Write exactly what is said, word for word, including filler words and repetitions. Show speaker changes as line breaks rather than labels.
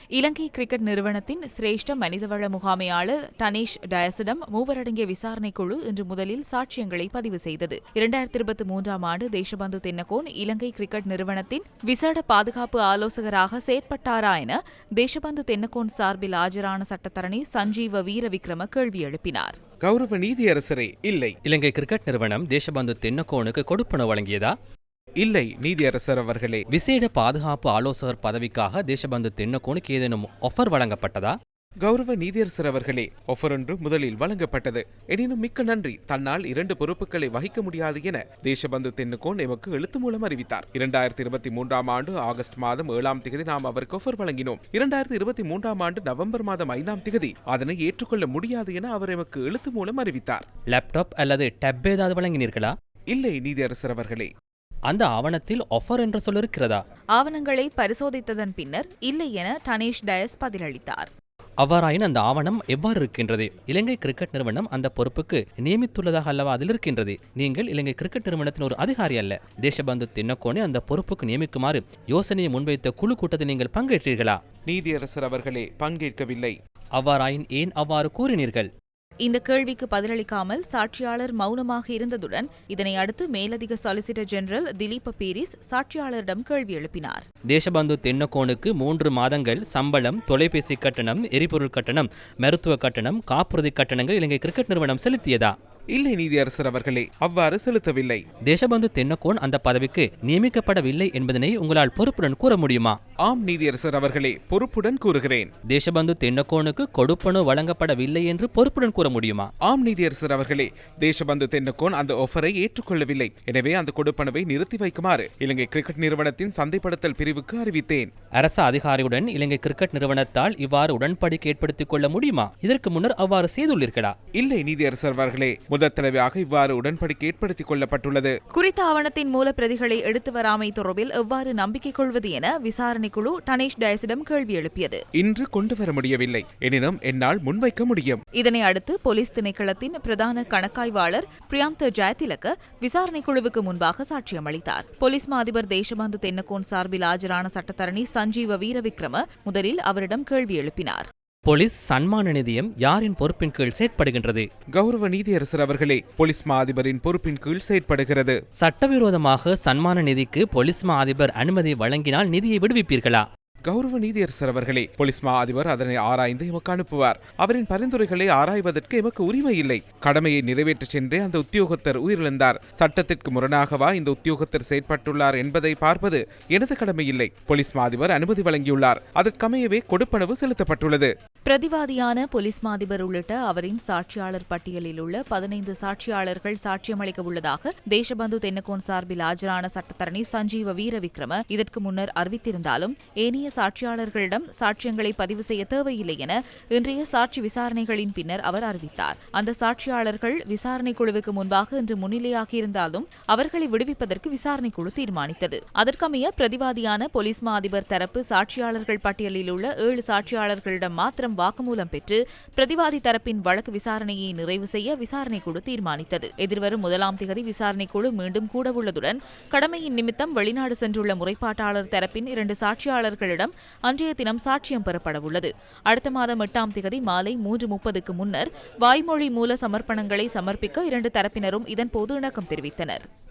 இலங்கை cricket நிறுவனத்தின் சிரேஷ்ட மனிதவள முகாமையாளர் டனேஷ் டயஸிடம் மூவரடங்கிய விசாரணைக் குழு இன்று முதலில் சாட்சியங்களை பதிவு செய்தது. இரண்டாயிரத்தி இருபத்தி மூன்றாம் ஆண்டு தேசபந்து தென்னகோன் இலங்கை கிரிக்கெட் நிறுவனத்தின் விசேட பாதுகாப்பு ஆலோசகராக செயற்பட்டாரா என தேசபந்து தென்னகோன் சார்பில் ஆஜரான சட்டத்தரணி சஞ்சீவ வீரவிக்ரம கேள்வி எழுப்பினார்.
கௌரவ நீதியரசரே, இல்லை.
இலங்கை கிரிக்கெட் நிறுவனம் தேசபந்து தென்னகோனுக்கு கொடுப்பனவு வழங்கியதா?
இல்லை நீதியரசர் அவர்களே.
விசேட பாதுகாப்பு ஆலோசகர் பதவிக்காக தேசபந்து தென்னகோனுக்கு ஏதேனும் ஆஃபர் வழங்கப்பட்டதா?
கௌரவ நீதியரசர் அவர்களே, ஆஃபர் ஒன்று முதலில் வழங்கப்பட்டது. எனினும் மிக்க நன்றி, தன்னால் இரண்டு பொறுப்புகளை வகிக்க முடியாது என தேசபந்து தென்னகோன் எமக்கு எழுத்து மூலம் அறிவித்தார். இரண்டாயிரத்தி இருபத்தி மூன்றாம் ஆண்டு ஆகஸ்ட் மாதம் ஏழாம் திகதி நாம் அவருக்கு ஆஃபர் வழங்கினோம். இரண்டாயிரத்தி இருபத்தி மூன்றாம் ஆண்டு நவம்பர் மாதம் ஐந்தாம் திகதி அதனை ஏற்றுக்கொள்ள முடியாது என அவர் எமக்கு எழுத்து மூலம் அறிவித்தார்.
லேப்டாப் அல்லது டேப் ஏதாவது வழங்கினீர்களா?
இல்லை நீதியரசர் அவர்களே.
அந்த ஆவணத்தில் ஆஃபர் என்ற சொல் இருக்கிறதா?
ஆவணங்களை பரிசோதித்ததன் பின்னர் இல்லை என டனேஷ் டயஸ் பதிலளித்தார்.
அவ்வாறாயின் அந்த ஆவணம் எவ்வாறு இருக்கின்றது? இலங்கை கிரிக்கெட் நிறுவனம் அந்த பொறுப்புக்கு நியமித்துள்ளதாக அல்லவா அதில் இருக்கின்றது. நீங்கள் இலங்கை கிரிக்கெட் நிறுவனத்தின் ஒரு அதிகாரி அல்ல. தேசபந்து தென்னகோனை அந்த பொறுப்புக்கு நியமிக்குமாறு யோசனையை முன்வைத்த குழு கூட்டத்தில் நீங்கள் பங்கேற்றீர்களா?
நீதியரசர் அவர்களே, பங்கேற்கவில்லை.
அவ்வாறாயின் ஏன் அவ்வாறு கூறினீர்கள்?
இந்த கேள்விக்கு பதிலளிக்காமல் சாட்சியாளர் மௌனமாக இருந்ததுடன் இதனை அடுத்து மேலதிக சொலிசிட்டர் ஜெனரல் திலீப பீரிஸ் சாட்சியாளரிடம் கேள்வி எழுப்பினார்.
தேசபந்து தென்னகோனுக்கு மூன்று மாதங்கள் சம்பளம், தொலைபேசி கட்டணம், எரிபொருள் கட்டணம், மருத்துவ கட்டணம், காப்புறுதி கட்டணங்கள் இலங்கை கிரிக்கெட் நிறுவனம் செலுத்தியதா?
இல்லை நீதியரசர் அவர்களே, அவ்வாறு செலுத்தவில்லை.
தேசபந்து தென்னகோன் அந்த பதவிக்கு நியமிக்கப்படவில்லை என்பதனை உங்களால் பொறுப்புடன் கூற முடியுமா?
ஆம் நீதியரசர் அவர்களே, பொறுப்புடன் கூறுகிறேன்.
தேசபந்து தென்னகோனுக்கு கொடுப்பனவு வழங்கப்படவில்லை என்று பொறுப்புடன் கூற முடியுமா?
ஆம் நீதியரசர் அவர்களே, தேசபந்து தென்னகோன் அந்த ஆஃபரை ஏற்றுக்கொள்ளவில்லை. எனவே அந்த கொடுப்பனவை நிறுத்தி வைக்குமாறு இலங்கை கிரிக்கெட் நிறுவனத்தின் சந்தைப்படுத்தல் பிரிவுக்கு அறிவித்தேன்.
அரசு அதிகாரியுடன் இலங்கை கிரிக்கெட் நிறுவனத்தால் இவ்வாறு உடன்படிக்கை ஏற்படுத்திக் கொள்ள முடியுமா? இதற்கு முன்னர் அவ்வாறு செய்துள்ளீர்களா?
இல்லை நீதியரசர் அவர்களே, முதல் தடவையாக இவ்வாறு உடன்படிக்கை ஏற்படுத்திக் கொள்ளப்பட்டுள்ளது.
குறித்த ஆவணத்தின் மூல பிரதிகளை எடுத்து வராமை தொடர்பில் எவ்வாறு நம்பிக்கை கொள்வது என விசாரணை குழு டனேஷ் டயஸிடம் கேள்வி எழுப்பியது.
இன்று கொண்டு வர முடியவில்லை, எனினும் என்னால் முன்வைக்க முடியும்.
இதனை அடுத்து போலீஸ் திணைக்களத்தின் பிரதான கணக்காய்வாளர் பிரியாந்த ஜெயதிலக விசாரணை குழுவுக்கு முன்பாக சாட்சியம் அளித்தார். போலீஸ் மா அதிபர் தேசபந்து தென்னகோன் சார்பில் ஆஜரான சட்டத்தரணி சஞ்சீவ வீரவிக்ரம முதலில் அவரிடம் கேள்வி எழுப்பினார்.
போலீஸ் சன்மான நிதியம் யாரின் பொறுப்பின் கீழ் செயற்படுகின்றது?
கௌரவ நீதியரசர் அவர்களே, போலீஸ் மா அதிபரின் பொறுப்பின் கீழ் செயற்படுகிறது.
சட்டவிரோதமாக சன்மான நிதிக்கு போலீஸ் மா அதிபர் அனுமதி வழங்கினால் நிதியை விடுவிப்பீர்களா?
கௌரவ நீதியரசர் அவர்களே, போலீஸ் மா அதிபர் அதனை ஆராய்ந்து எமக்கு அனுப்புவார். அவரின் பரிந்துரைகளை ஆராய்வதற்கு எமக்கு உரிமை இல்லை. கடமையை நிறைவேற்ற சென்றே அந்த உத்தியோகத்தர் உயிரிழந்தார். சட்டத்திற்கு முரணாகவா இந்த உத்தியோகத்தர் செயற்பட்டுள்ளார் என்பதை பார்ப்பது எனது கடமை இல்லை. போலீஸ் மா அதிபர் அனுமதி வழங்கியுள்ளார். அதற்கமையவே கொடுப்பனவு செலுத்தப்பட்டுள்ளது.
பிரதிவாதியான போலீஸ் மா அதிபர் உள்ளிட்ட அவரின் சாட்சியாளர் பட்டியலில் உள்ள பதினைந்து சாட்சியாளர்கள் சாட்சியமளிக்க உள்ளதாக தேசபந்து தென்னகோன் சார்பில் ஆஜரான சட்டத்தரணி சஞ்சீவ வீரவிக்ரம இதற்கு முன்னர் அறிவித்திருந்தாலும் ஏனைய சாட்சியாளர்களிடம் சாட்சியங்களை பதிவு செய்ய தேவையில்லை என இன்றைய சாட்சி விசாரணைகளின் பின்னர் அவர் அறிவித்தார். அந்த சாட்சியாளர்கள் விசாரணை குழுவுக்கு முன்பாக இன்று முன்னிலையாகியிருந்தாலும் அவர்களை விடுவிப்பதற்கு விசாரணை குழு தீர்மானித்தது. அதற்கமைய பிரதிவாதியான போலீஸ் மா அதிபர் தரப்பு சாட்சியாளர்கள் பட்டியலில் உள்ள ஏழு சாட்சியாளர்களிடம் மாத்திரம் வாக்குமூலம் பெற்று பிரதிவாதி தரப்பின் வழக்கு விசாரணையை நிறைவு செய்ய விசாரணை குழு தீர்மானித்தது. எதிர்வரும் முதலாம் திகதி விசாரணை குழு மீண்டும் கூடவுள்ளதுடன் கடமையின் நிமித்தம் வெளிநாடு சென்றுள்ள முறைப்பாட்டாளர் தரப்பின் இரண்டு சாட்சியாளர்களிடம் அன்றைய தினம் சாட்சியம் பெறப்படவுள்ளது. அடுத்த மாதம் எட்டாம் திகதி மாலை மூன்று முப்பதுக்கு முன்னர் வாய்மொழி மூல சமர்ப்பணங்களை சமர்ப்பிக்க இரண்டு தரப்பினரும் இதன்போது இணக்கம் தெரிவித்தனர்.